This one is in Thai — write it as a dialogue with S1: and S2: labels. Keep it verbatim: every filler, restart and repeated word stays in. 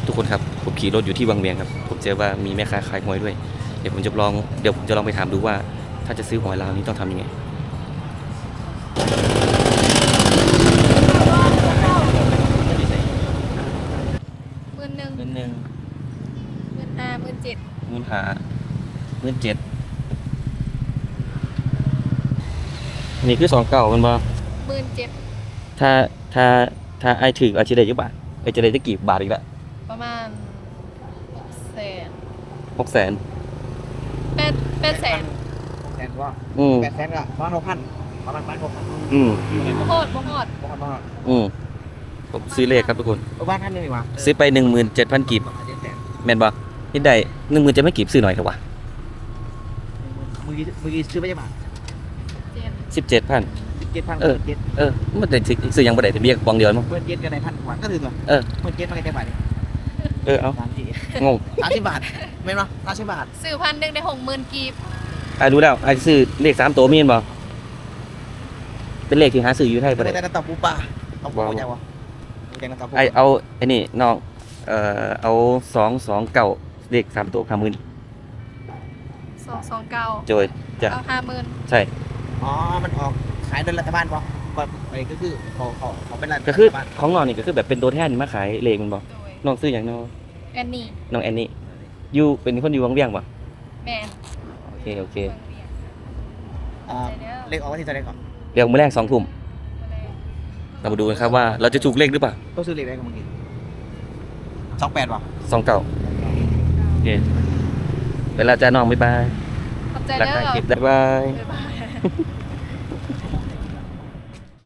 S1: ทุกคนครับผมขี่รถอยู่ที่วังเวียงครับผมเจอว่ามีแม่ค้าขายหวยด้วยเดี๋ยวผมจะลองเดี๋ยวผมจะลองไปถามดูว่าถ้าจะซื้อหวยลาวนี้ต้องทำยังไง
S2: หมื่นหนึ่ง
S1: เงินหนึ่ง
S2: หมื่นห้าหมื่นเจ็ด
S1: เงินหาเงินเจ็ดนี่คือสองเก่ามันบ่
S2: หมื่นเจ็ด
S1: ถ้าถ้าถ้าไอถืออาชีพได้ยี่บาทไอจะได้จะกี่บาทอีกละ
S2: ประมาณหกแสน
S1: หกแสน
S2: แปดแปดแสน
S3: แสนกว่า
S1: อืม
S3: แปดแสนก็ประมาณหกพันประมาณหกพัน
S1: อืม
S2: บ่โหดบ่โหด
S3: หกพันประมาณ
S1: อืมผมซื้อเลขครับทุกคน
S3: บ้านท่านนี่ดีกว่า
S1: ซื้อไปหนึ่งหมื่นเจ็ดพันกีบ
S3: เจ็ดแสน
S1: แม่นบ่นี่ได้หนึ่งหมื่นเจ็ดพันกีบซื้อหน่อยครับวะ
S3: มือกี้มือกี้ซื้อไปยังบาท
S2: เจ็ด
S1: สิบเจ็ดพัน
S3: เจ็ดพัน
S1: เออ
S3: เจ็ด
S1: เออมันได้ซื้อยังบ่ได้แต่เบี้ยปองเดียวมั้ง
S3: เมื่อเจ็ดกันในพันกว่าก็ถือตัว
S1: เออ
S3: เมื่อเจ็ดมาแค่บาท
S1: เออเอา
S3: สามสี่
S1: งง
S3: สามสิบบาทไม่เนาะสามสิบบาท
S2: ซื้อพันหนึ่งได้หกหมื่นกีบ
S1: ไอ้รู้แล้วไอ้ซื้อเลขสามตัวมีนบ่เป็นเลขที่หาซื้ออยู่ไทยบ่ได้
S3: แต่น้ำตาปูปลาเอาปูยังวะปูยังน้ำตาปู
S1: ไอ้เอาไอ้นี่น้องเอ่อเอาสองสองเก้าเลขสามตัวห้าหมื่น
S2: สองสองเก้า
S1: โจยจ้ะ
S2: เอาห้าหมื่น
S1: ใช่
S3: อ๋อมันออกขายโดยรัฐบาลปะก่อนไปก็คือเขาเขาเขาเป็นรัฐ
S1: ก็คือ
S3: บาล
S1: ของน้องนี่ก็คือแบบเป็นตัวแทนมาขายเลขมันบ่
S2: โดย
S1: น้องซื้ออย่างน้อง
S2: แอนนี่
S1: น้องแอนนี่อยู่เป็นคนอยู่วังเวียงบ่
S2: แมน
S1: โอเคโอเค
S2: เมืองเวียง
S3: อ่าเลขออกวันที่เท่าไหร่ก่อน
S1: เดี๋ยวมื้อแรกสองทุ่มเรามาดูกันครับว่าเราจะถูกเลขหรือเปล่า
S3: ต้องซื้อเลขอะไรกันเมื่อกี้สองแปดวะ
S1: สองเก้าโอเคเวลาจะน้องบ๊ายบาย
S2: ขอบใจ
S1: รัก
S2: เด้อ
S1: ทางคลิปบ๊ายบาย
S2: บ๊ายบาย